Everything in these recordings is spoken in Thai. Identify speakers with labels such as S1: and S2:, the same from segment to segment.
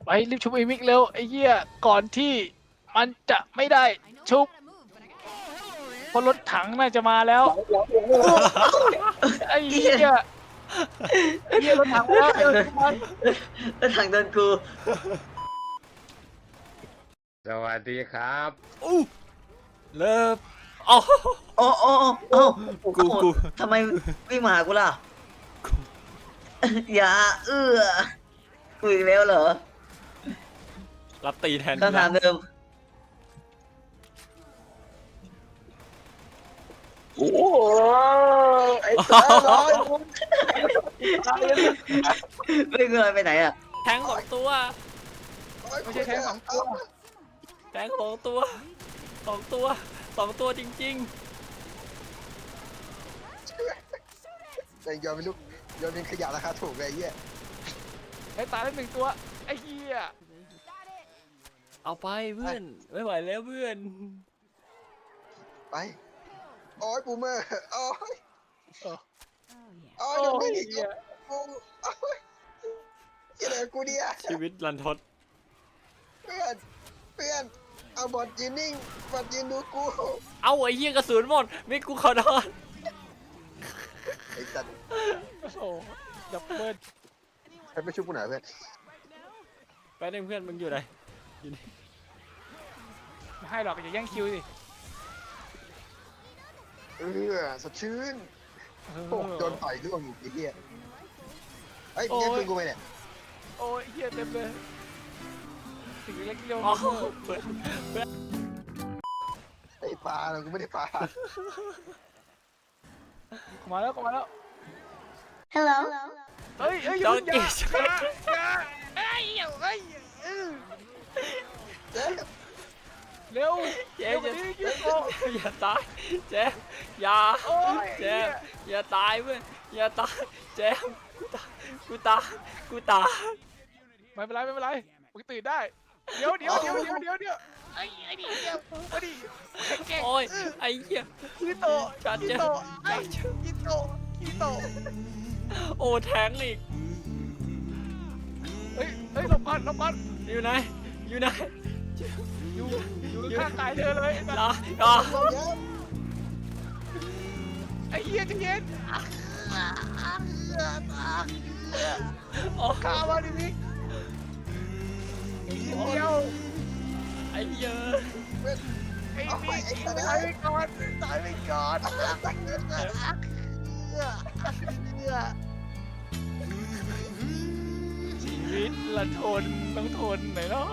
S1: ไปรีบชุบไอ้มิกเร็วไอ้เหี้ยก่อนที่มันจะไม่ได้ชุบเพราะรถถังน่าจะมาแล้วไอ้เหี้ยเหี้ยรถถังมาแล้วเร็วชุบมัน
S2: แล้วถังโดนกู
S3: สวัสดีครับ
S4: อู้เลิฟอ๋อ
S2: โอ้โอ้โอ้
S4: กู
S2: ทำไมวิ่งมาหากูล่ะ อย่ากูอีกแล้วเหรอ
S4: รับตีแทน
S2: คำถามเดิม
S3: โอ้ไอ้ตาลอย
S2: ไม่เงยไปไหนอ่ะ
S4: แทงของตัว
S1: ไม่ใช่แค่2 ตัว
S4: แทงของตัวสองตัวสองตัวจริง
S3: แต่ยอมเป็นลูกยอมเป็นขยะราคาถูกเลยไอ้เหี้ย
S1: ไอ้ตายแล้ว1 ตัวไอ้เหี้ย
S4: ๆ เอาไปเพื่อนไม่ไหวแล้วเพื่อน
S3: ไปโอ้ยปูเมอร์โอ้ยโอ้ย
S1: โอ้
S3: โดนไม่
S1: ย
S3: ได้
S1: เหี้ย
S3: กูโอ้ยยังไงกูเนี่ย
S4: ชีวิตรันทด
S3: เพื่อนเอาบอดยืนนิ่งบอดยืนดูกู
S4: เอาไอ้เหี้ยกระสุนหมดไม่กูขอโทษ
S3: ไอ้สัตว์
S1: โอ้โหดับเบิล
S3: ให้ไปช่วยกูหน่อยเพื่อน
S4: ไปหนึ่งเพื่อนมึงอยู่ไหนอยู่นี่
S1: ไม่ให้หรอกอย่าแย่งคิวสิ
S3: สดชื่น
S1: เออ
S3: โอ้โดนต่อยร่วงอีกไอ้เหี้ยเฮ้ยแย่งปืนกูไปเนี่ย
S1: โอ้ยเหี้ยเต็มเลยถึงเล็กเดียว
S4: อ๋อเพื่อน
S3: ไอ้ปลาเรากูไม่ได้ปลา
S1: เข้ามาแล้วเข้ามาแล้ว
S2: Hello
S1: เฮ้ยเฮ้ยอย่า
S4: ดอ
S1: เพิ่
S4: ง
S1: งอย่า
S4: กี้
S1: อย่าเฮ้ยเฮ้ย
S3: เจ๊
S1: เร็ว
S4: เจ๊
S1: เร็วกว่านี้ยิงโอ้
S4: อย่าตายเจ๊อย่า
S1: โอ้ย
S4: เจ๊อย่าตายเพื่อนอย่าตายเจ๊กูตายกูตาย
S1: ไม่เป็นไรไม่เป็นไรมึงตื่นได้เดี๋ยวไอ้นี่เดี๋ยวไอ้นี่แกล้ง
S4: โอ้ยไอ้เหี้ย
S1: คีโตะ
S4: จัด
S1: คี
S4: เจ๊
S1: โตะไอ้คีโตะคีโตะ
S4: โอ้แทงอีก
S1: เฮ้ยเฮ้ยหลบก่อนหลบก่อน
S4: อยู่ไหนอยู่ไหน
S1: อยู่ข้างกายเธอเลยไอ้สัส
S4: อย่า
S1: ไอ้เหี้ยใจะเย็น
S4: โอ้
S1: ข้ามาดิมิกเดียว
S4: ไอ้เหี้ย
S1: ไอ้มิกตายไปก่อนตายไปก่อนชีวิตละทนต้องทนหน่อยเนาะ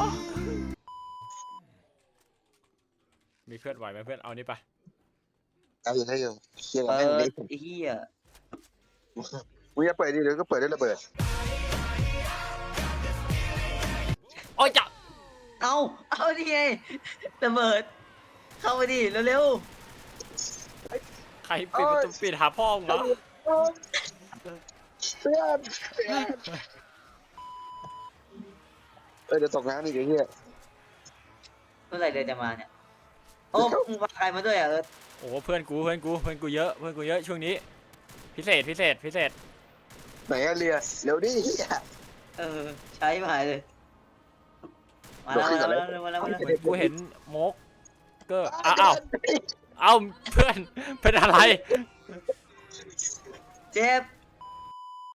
S4: มีเพื่อนไหวไหมเพื่อนเอานี่ไป
S3: เอาอยู่ให้อยู่เชี่ย
S2: เปิ
S3: แม่ง
S2: ด
S3: ดิ
S2: ไอ้เหี้ย
S3: มึงจะเปิดดิเดี๋ยวก็เปิดได้ระเบิด
S4: โอ้ยจับ
S2: เอาดิไงระเบิด เข้ามาดิเร็ว
S4: ใครปิดประตูปิดหาพ่อมึงเหรอ
S3: เพื่อนเดี๋ยวตกน้ำอีกไอ้เหี้ย
S2: ๆเมื่อไหร่เดือนจะมาเนี่ย โอ้มึงพาใครมาด้วยอ่ะ
S4: โอ้เพื่อนกูเยอะเพื่อนกูเยอะช่วงนี้ พิเศษ
S3: ไหนอะเรียเร็วดิเหี้ย
S2: ใช้มาเลย มาแล้วมาแล้วมาแล้วมาแล้ว
S4: กูเห็นโมกเกอร์อ้าวเพื่อนเป็นอะไร
S2: เจ็บ